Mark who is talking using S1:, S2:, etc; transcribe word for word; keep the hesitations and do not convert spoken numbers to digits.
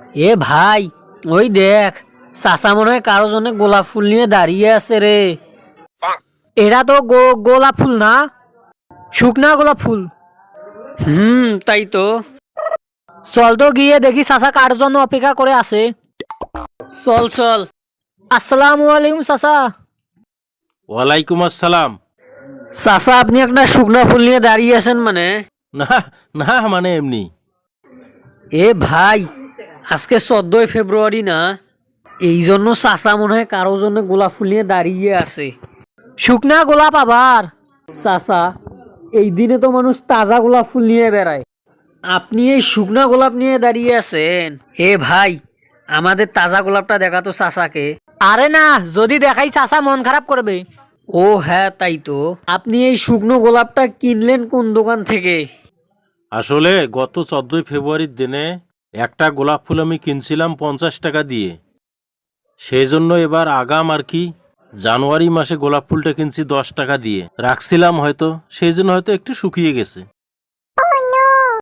S1: এ ভাই, ওই দেখ, চাচা মনে হয় কারো জন্য গোলাপ ফুল নিয়ে দাঁড়িয়ে আছে রে। এটা তো গো- গোলাপ ফুল না, শুকনা গোলাপ ফুল। হুম, তাই তো। চল তো গিয়ে দেখি চাচা কার জন্য অপেক্ষা করে আছে। চল চল। আসসালামু আলাইকুম চাচা।
S2: ওয়ালাইকুম আসসালাম।
S1: চাচা, আপনি একটা শুকনা ফুল নিয়ে দাঁড়িয়ে আছেন মানে?
S2: না, না, মানে এমনি।
S1: এ ভাই, আজকে চোদ্দই ফেব্রুয়ারি না, এই জন্য চাচা মনে হয় কারো জন্য গোলাপ ফুল নিয়ে দাঁড়িয়ে আছে। শুকনা গোলাপ আবার? চাচা, এই দিনে তো মানুষ তাজা গোলাপ ফুল নিয়ে বেড়ায়, আপনি এই শুকনা গোলাপ নিয়ে দাঁড়িয়ে আছেন। এ ভাই, আমাদের তাজা গোলাপটা দেখা তো চাচাকে। আরে না, যদি দেখাই চাচা মন খারাপ করবে। ও হ্যাঁ, তাই তো। আপনি এই শুকনো গোলাপটা কিনলেন কোন দোকান থেকে?
S2: আসলে গত চোদ্দই ফেব্রুয়ারির দিনে একটা গোলাপ ফুল আমি কিনছিলাম পঞ্চাশ টাকা দিয়ে। সেই জন্য এবার আগাম আর কি জানুয়ারি মাসে গোলাপ ফুলটা কিনছি দশ টাকা দিয়ে রাখছিলাম, হয়তো সেই জন্য হয়তো একটু শুকিয়ে গেছে।